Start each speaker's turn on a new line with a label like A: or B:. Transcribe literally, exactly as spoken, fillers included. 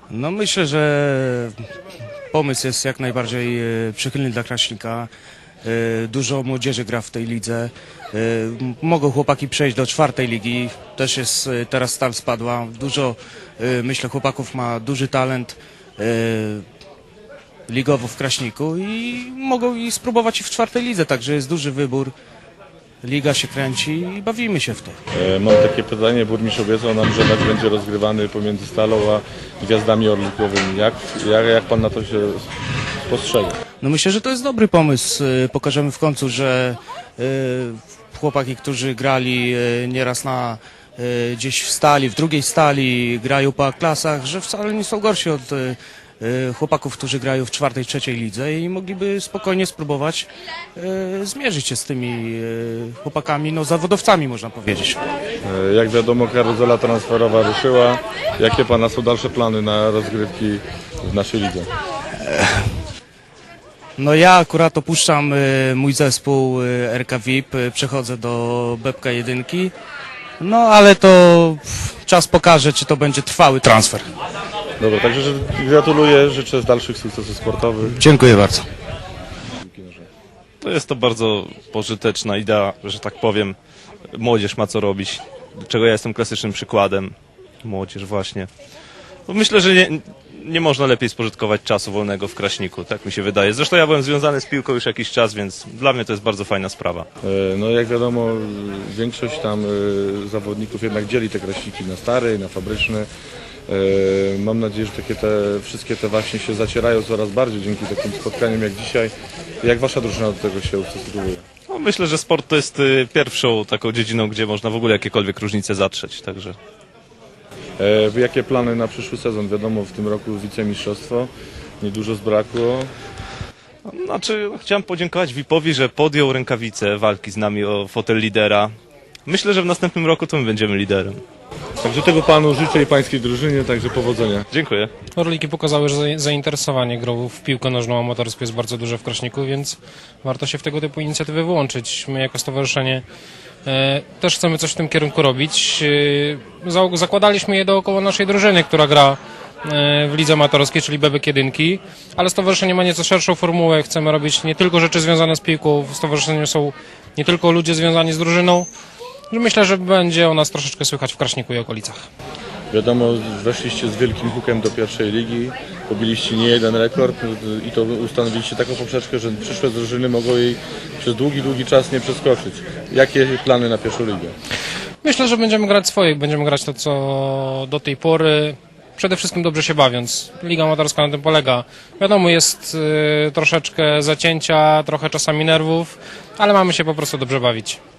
A: No myślę, że pomysł jest jak najbardziej e, przychylny dla Kraśnika. E, Dużo młodzieży gra w tej lidze. E, m- Mogą chłopaki przejść do czwartej ligi. Też jest, e, teraz Stal spadła. Dużo, e, myślę, chłopaków ma duży talent e, ligowo w Kraśniku i mogą i spróbować i w czwartej lidze. Także jest duży wybór. Liga się kręci i bawimy się w to.
B: E, Mam takie pytanie, burmistrz obiecał nam, że mecz będzie rozgrywany pomiędzy Stalą a Gwiazdami Orlikowymi. Jak, jak, jak pan na to się spostrzega?
A: No myślę, że to jest dobry pomysł. Y, Pokażemy w końcu, że y, chłopaki, którzy grali y, nieraz na y, gdzieś w Stali, w drugiej Stali, grają po A-klasach, że wcale nie są gorsi od y, y, chłopaków, którzy grają w czwartej, trzeciej lidze i mogliby spokojnie spróbować y, zmierzyć się z tymi y, chłopakami, no zawodowcami można powiedzieć.
B: E, Jak wiadomo, karuzela transferowa ruszyła. Jakie pana są dalsze plany na rozgrywki w naszej lidze?
A: No ja akurat opuszczam y, mój zespół y, R K V I P, y, przechodzę do Bebka jedynki, no ale to pff, czas pokaże, czy to będzie trwały transfer.
B: Dobra, także że gratuluję, życzę dalszych sukcesów sportowych.
A: Dziękuję bardzo.
C: To jest to bardzo pożyteczna idea, że tak powiem. Młodzież ma co robić, czego ja jestem klasycznym przykładem. Młodzież właśnie. No myślę, że nie, nie można lepiej spożytkować czasu wolnego w Kraśniku, tak mi się wydaje. Zresztą ja byłem związany z piłką już jakiś czas, więc dla mnie to jest bardzo fajna sprawa.
B: E, No jak wiadomo, większość tam e, zawodników jednak dzieli te kraśniki na stare i na fabryczne. E, Mam nadzieję, że takie te, wszystkie te właśnie się zacierają coraz bardziej dzięki takim spotkaniom jak dzisiaj. Jak wasza drużyna do tego się ustosunkowuje?
C: No, myślę, że sport to jest y, pierwszą taką dziedziną, gdzie można w ogóle jakiekolwiek różnice zatrzeć, także...
B: E, Jakie plany na przyszły sezon? Wiadomo, w tym roku wicemistrzostwo, niedużo zbrakło.
C: Znaczy, chciałem podziękować V I P-owi, że podjął rękawice walki z nami o fotel lidera. Myślę, że w następnym roku to my będziemy liderem.
B: Także tego panu życzę i pańskiej drużynie, także powodzenia.
C: Dziękuję.
D: Orliki pokazały, że za- zainteresowanie grą w piłkę nożną amatorską jest bardzo duże w Kraśniku, więc warto się w tego typu inicjatywy wyłączyć. My jako stowarzyszenie e, też chcemy coś w tym kierunku robić. E, za, zakładaliśmy je dookoła naszej drużyny, która gra e, w lidze amatorskiej, czyli Bebek jedynki, ale stowarzyszenie ma nieco szerszą formułę. Chcemy robić nie tylko rzeczy związane z piłką, w stowarzyszeniu są nie tylko ludzie związani z drużyną. Myślę, że będzie o nas troszeczkę słychać w Kraśniku i okolicach.
B: Wiadomo, weszliście z wielkim hukiem do pierwszej ligi, pobiliście nie jeden rekord i to ustanowiliście taką poprzeczkę, że przyszłe drużyny mogą jej przez długi, długi czas nie przeskoczyć. Jakie plany na pierwszą ligę?
D: Myślę, że będziemy grać swoje, będziemy grać to, co do tej pory, przede wszystkim dobrze się bawiąc. Liga amatorska na tym polega. Wiadomo, jest y, troszeczkę zacięcia, trochę czasami nerwów, ale mamy się po prostu dobrze bawić.